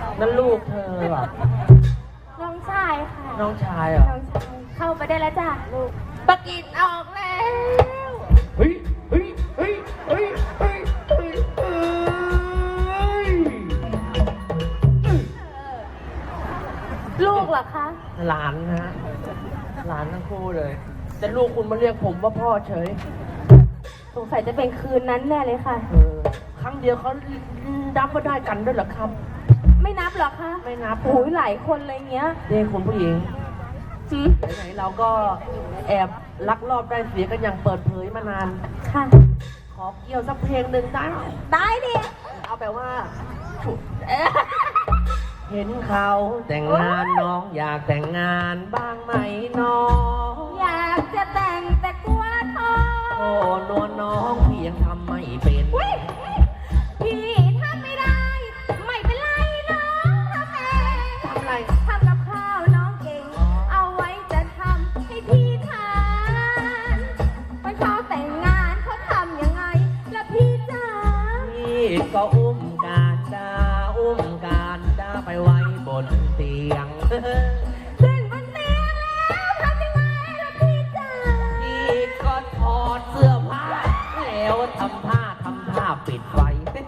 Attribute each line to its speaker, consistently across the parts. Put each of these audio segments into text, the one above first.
Speaker 1: นั่นลูกเธอเหรอ
Speaker 2: น้องชายค่ะ
Speaker 1: น้องชายเหรอ
Speaker 2: น้องชายเข้าไปได้แล้วจ้ะลูกปะกินออกแล้ว
Speaker 1: เฮ้ยเฮ้ยเฮ้ยเฮ้ยเฮ้ยเฮ้ยเฮ้ย
Speaker 2: ลูกเหรอคะ
Speaker 1: หลานนะฮะหลานทั้งคู่เลยแต่ลูกคุณมาเรียกผมว่าพ่อเฉย
Speaker 2: สงสัยจะเป็นคืนนั้นแน่เลยค่ะ
Speaker 1: ครั้งเดียวเขานับว่าได้กันด้วยเหรอครับ
Speaker 2: ไม่นับเหรอคะ
Speaker 1: ไม่นับ
Speaker 2: โอ้ยหลายคนเลยเงี้ย
Speaker 1: นี่คุณผู้หญิง
Speaker 2: หืม
Speaker 1: ไหนๆเราก็แอบลักลอบได้เสียกันอย่างเปิดเผยมานาน
Speaker 2: ค่ะ
Speaker 1: ขอเกี่ยวสักเพลงหนึ่งได้ไหม
Speaker 2: ได้ดิ
Speaker 1: เอาแบบว่า เห็นเขาแต่งงานน้องอยากแต่งงานบ้างไหมน้อง
Speaker 2: อยากจะแต่งแต่กลัวท้อง
Speaker 1: โอ้นวลน้องพี่ยังทำไม่เป็น
Speaker 2: อุ๊ยพี่ทำไม่ได้ ไม่เป็นไรน้องทำเอง
Speaker 1: ทำอะไร
Speaker 2: ทำกับข้าวน้องเก่ง เอาไว้จะทำให้พี่ทานวันเขาแต่งงานเขาทำยังไงล่ะพี่จ๋า
Speaker 1: พี่ก็อุ้มการดาไปไว้บนเตียง
Speaker 2: ขึ้นบนเตียงแล้วทำยังไงล่ะพี่จ๋า
Speaker 1: พี่ก็ถอดเสื้อผ้าแล้วทำท่าปิดไฟ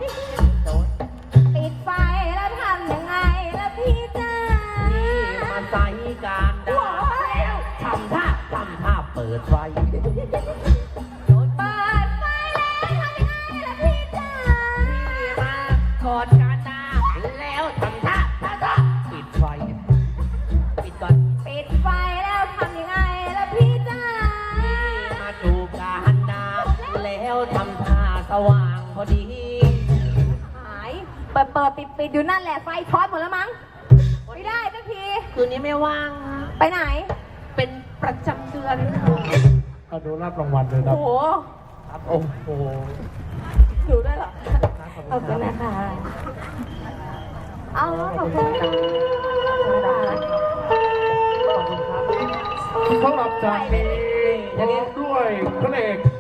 Speaker 2: ปิดไฟแล้วทำยังไงล่ะพี่จ๋า
Speaker 1: พี่มาใส่การดาแล้วทำท่าเปิดไฟ
Speaker 2: เปิดไฟแล้วทำยังไงล่ะพี่จ๋า
Speaker 1: พี่มากอดการดาแล้วทำท่าปิดไฟปิดก่อน
Speaker 2: ปิดไฟแล้วทำยังไงล่ะพี่จ๋า
Speaker 1: มาจูบการดาแล้วทำท่าสว่างพอดี
Speaker 2: หายปิดอยู่นั่นแหละไฟช็อตหมดแล้วมั้งไม่ได้สักที
Speaker 1: คืนนี้ไม่ว่างฮะ
Speaker 2: ไปไหน
Speaker 1: เป็นประจำเดือน
Speaker 3: ก็ดูรับรางวัลเลยนะ
Speaker 2: โอ้โห
Speaker 1: ครับโอ้โห
Speaker 2: ดูด้วยเหรอขอบคุณนะคะเอาขอบคุณค่ะ
Speaker 3: สำหรับจากนี้พร้อมด้วยพระเอก